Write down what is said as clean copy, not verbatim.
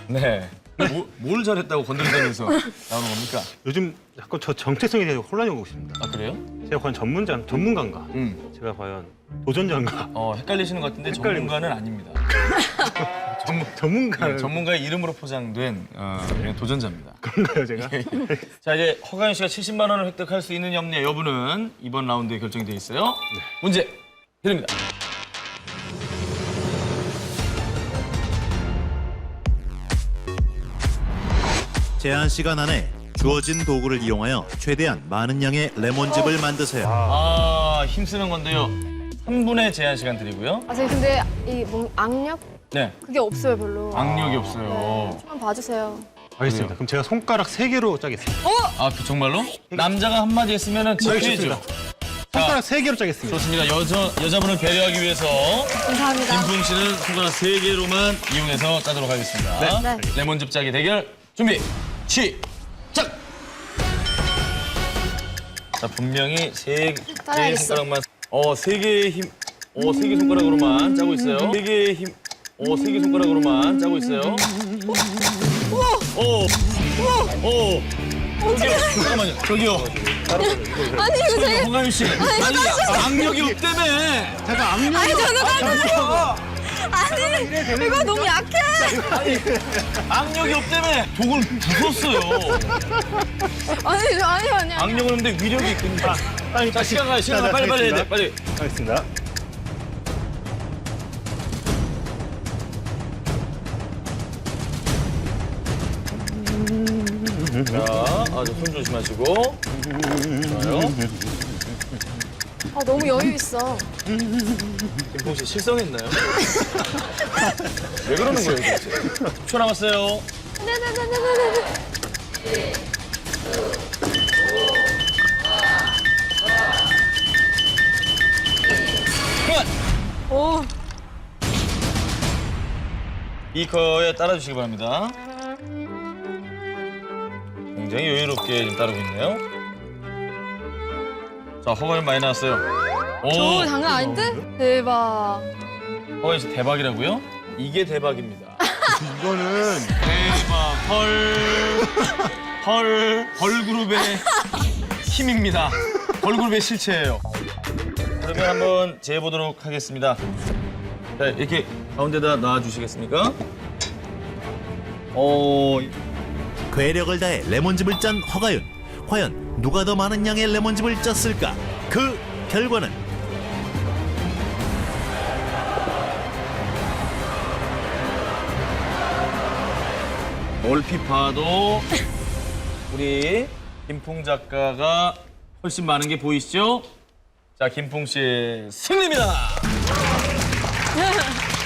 네. 뭘 잘했다고 건드리다면서 나오는 겁니까? 요즘 약간 저 정체성에 대해서 혼란이 오고 있습니다. 아, 그래요? 제가 과연 전문가인가? 제가 과연 도전자인가? 헷갈리시는 것 같은데 전문가는 아닙니다. 전문가. 전문가의 이름으로 포장된 그냥 도전자입니다. 그런가요, 제가? 자, 이제 허가연 씨가 70만 원을 획득할 수 있느냐 없느냐 여부는 이번 라운드에 결정이 돼 있어요. 문제 드립니다. 제한 시간 안에 주어진 도구를 이용하여 최대한 많은 양의 레몬즙을 만드세요. 힘쓰는 건데요. 3분의 제한 시간 드리고요. 선생님 근데 이 악력? 네. 그게 없어요 별로. 악력이 없어요. 좀만 봐주세요. 알겠습니다. 그럼 제가 손가락 3개로 짜겠습니다. 그 정말로? 남자가 한마디 했으면은 지켜야죠. 손가락 3개로 짜겠습니다. 좋습니다. 여자분을 배려하기 위해서 감사합니다. 김풍 씨는 손가락 3개로만 이용해서 짜도록 하겠습니다. 네. 레몬즙 짜기 대결 준비, 시작! 자, 분명히 세 따라야겠어. 손가락만, 3개의 힘, 3개 손가락으로만 짜고 있어요. 3개의 힘, 3개 손가락으로만 짜고 있어요. 저기요, 잠깐만요, 저기요. 아니 이거 제가 홍가윤 씨, 아니, 악력이 없다며. 제가 악력이 아니 저는 아니 이거 너무 약해. 악력이 없다며. 독을 부쉈어요. 아니. 악력은 없는데 위력이 있군요. 자, 시간 가요, 빨리 해야 돼, 빨리. 알겠습니다. 자, 손 조심하시고. 좋아요. 너무 여유 있어. 김풍 씨 실성했나요? 왜 그러는 거예요, 도대체? 10초 남았어요. 네네네네네. 그만! 오. 비커에 따라주시기 바랍니다. 굉장히 여유롭게 지금 따르고 있네요. 자, 허가연 많이 나왔어요. 저 장난 아닌데? 대박. 허가연 씨 대박이라고요? 이게 대박입니다. 이거는 대박, 걸그룹의 힘입니다. 걸그룹의 실체예요. 그러면 한번 재보도록 하겠습니다. 자, 이렇게 가운데다 놔주시겠습니까? 괴력을 다해 레몬즙을 짠 허가윤. 과연 누가 더 많은 양의 레몬즙을 짰을까? 그 결과는 얼핏 봐도 우리 김풍 작가가 훨씬 많은 게 보이시죠? 자, 김풍 씨의 승리입니다.